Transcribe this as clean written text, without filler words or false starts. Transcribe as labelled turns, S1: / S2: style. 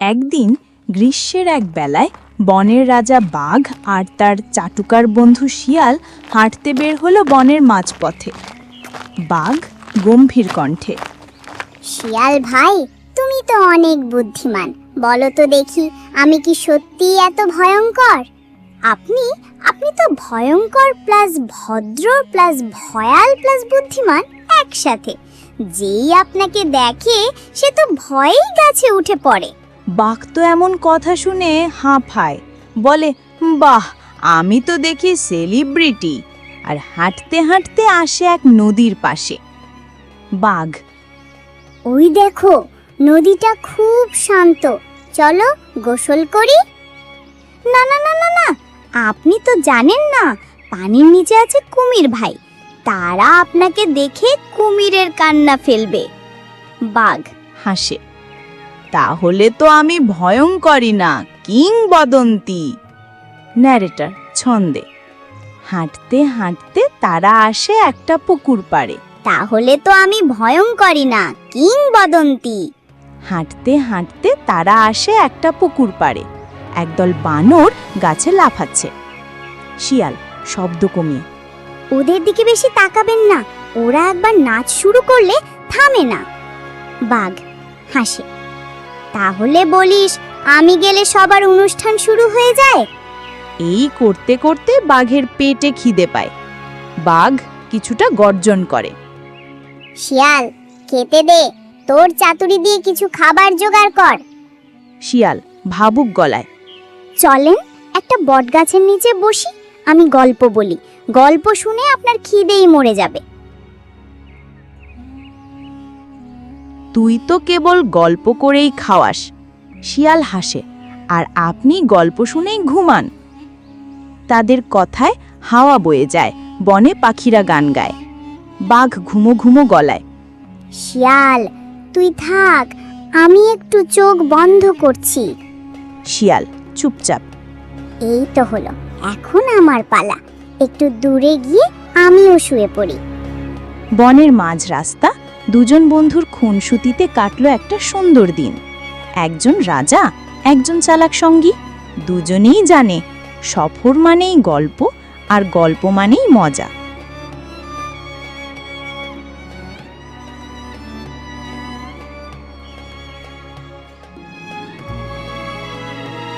S1: একদিন গ্রীষ্মের এক বেলায় বনের রাজা বাঘ আর তার চাটুকার বন্ধু শিয়াল হাঁটতে বের হলো বনের মাঝপথে। বাঘ গম্ভীর কণ্ঠে,
S2: শিয়াল ভাই, তুমি তো অনেক বুদ্ধিমান, বলো তো দেখি আমি কি সত্যিই এত ভয়ঙ্কর? আপনি আপনি তো ভয়ঙ্কর প্লাস ভদ্র প্লাস ভয়াল প্লাস বুদ্ধিমান একসাথে। যেই আপনাকে দেখে সে তো ভয়েই গাছে উঠে পড়ে।
S1: বাঘ তো এমন কথা শুনে হাঁফায়, বলে, বাহ, আমি তো দেখি সেলিব্রিটি। আর হাঁটতে হাঁটতে আসে এক নদীর পাশে। বাঘ,
S2: ওই দেখো, নদীটা খুব শান্ত, চলো গোসল করি। না না না না না, আপনি তো জানেন না পানির নিচে আছে কুমির ভাই, তারা আপনাকে দেখে কুমিরের কান্না ফেলবে। বাঘ
S1: হাসে, তাহলে তো আমি ভয়ঙ্করই না, কিংবদন্তি। ন্যারেটর ছন্দে, হাঁটতে হাঁটতে তারা আসে একটা পুকুর পাড়ে।
S2: তাহলে তো আমি ভয়ঙ্করই না, কিংবদন্তি।
S1: হাঁটতে হাঁটতে তারা আসে একটা পুকুর পাড়ে। একদল বানর গাছে লাফাচ্ছে। শিয়াল শব্দ কমিয়ে,
S2: ওদের দিকে বেশি তাকাবেন না, ওরা একবার নাচ শুরু করলে থামে না। বাঘ হাসে, তাহলে বলিস আমি গেলে সবার অনুষ্ঠান শুরু হয়ে যায়?
S1: এই করতে করতে বাঘের পেটে খিদে পায়। বাঘ কিছুটা গর্জন করে,
S2: শিয়াল খেতে দে, তোর চাতুরি দিয়ে কিছু খাবার জোগাড় কর।
S1: শিয়াল ভাবুক গলায়,
S2: চলেন একটা বটগাছের নিচে বসি, আমি গল্প বলি, গল্প শুনে আপনার খিদেই মরে যাবে।
S1: তুই তো কেবল গল্প করেই খাওয়াস। শিয়াল হাসে, আর আপনি গল্প শুনেই ঘুমান। তাদের কথায় হাওয়া বয়ে যায়, বনে পাখিরা গান গায়। বাঘ ঘুমো ঘুমো গলায়,
S2: শিয়াল তুই থাক, আমি একটু চোখ বন্ধ করছি।
S1: শিয়াল চুপচাপ,
S2: এই তো হলো, এখন আমার পালা, একটু দূরে গিয়ে আমিও শুয়ে পড়ি।
S1: বনের মাঝ রাস্তা দুজন বন্ধুর খুনসুটিতে কাটলো একটা সুন্দর দিন। একজন রাজা, একজন চালাক সঙ্গী। দুজনেই জানে সফর মানেই গল্প, আর গল্প মানেই মজা।